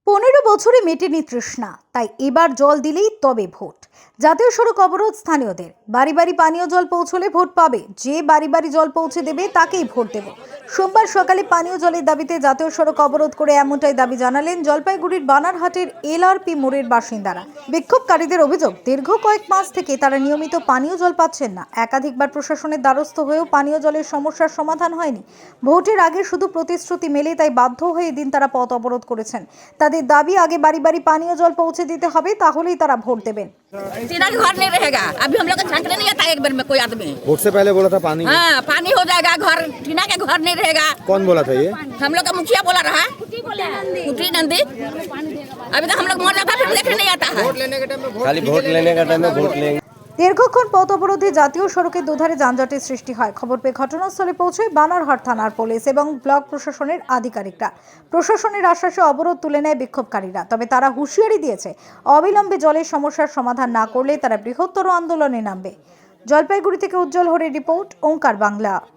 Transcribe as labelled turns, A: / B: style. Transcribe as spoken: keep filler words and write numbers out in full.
A: পনেরো বছরে মেটেনি তৃষ্ণা, তাই এবার জল দিলেই তবে ভোট। জাতীয় সড়ক অবরোধ স্থানীয়দের। বাড়ি বাড়ি পানীয় জল পৌঁছলে ভোট পাবে, যে বাড়ি বাড়ি জল পৌঁছে দেবে তাকেই ভোট দেব। সোমবার সকালে পানীয় জলের দাবিতে জাতীয় সড়ক অবরোধ করে এমনটাই দাবি জানালেন জলপাইগুড়ির বানারহাটের এলআরপি মোড়ের বাসিন্দারা। বিক্ষোভকারীদের অভিযোগ, দীর্ঘ কয়েক মাস থেকে তারা নিয়মিত পানীয় জল পাচ্ছেন না। একাধিকবার প্রশাসনের দ্বারস্থ হয়েও পানীয় জলের সমস্যার সমাধান হয়নি। ভোটের আগে শুধু প্রতিশ্রুতি মেলে, তাই বাধ্য হয়ে এদিন তারা পথ অবরোধ করেছেন। তাদের দাবি, আগে বাড়ি বাড়ি পানীয় জল পৌঁছে দিতে হবে, তাহলেই তারা ভোट देবেন।
B: टीना का घर नहीं रहेगा, अभी हम लोग को छांटने नहीं आता एक बार में कोई आदमी।
C: वोट से पहले बोला था पानी
B: हाँ, पानी हो जाएगा, घर टीना के घर नहीं रहेगा।
C: कौन बोला था ये?
B: हम लोग का मुखिया बोला रहा, कुटी नंदी। अभी तक हम लोग मर जाता फिर देखने नहीं आता है।
C: खाली वोट लेने का टाइम में वोट लेंगे।
A: দীর্ঘক্ষণ পথ অবরোধে জাতীয় সড়কের দুধারে যানজটের সৃষ্টি হয়। খবর পেয়ে ঘটনাস্থলে পৌঁছয় বানারহাট থানার পুলিশ এবং ব্লক প্রশাসনের আধিকারিকরা। প্রশাসনের আশ্বাসে অবরোধ তুলে নেয় বিক্ষোভকারীরা। তবে তারা হুঁশিয়ারি দিয়েছে, অবিলম্বে জলের সমস্যার সমাধান না করলে তারা বৃহত্তর আন্দোলনে নামবে। জলপাইগুড়ি থেকে উজ্জ্বল হরের রিপোর্ট, ওঙ্কার বাংলা।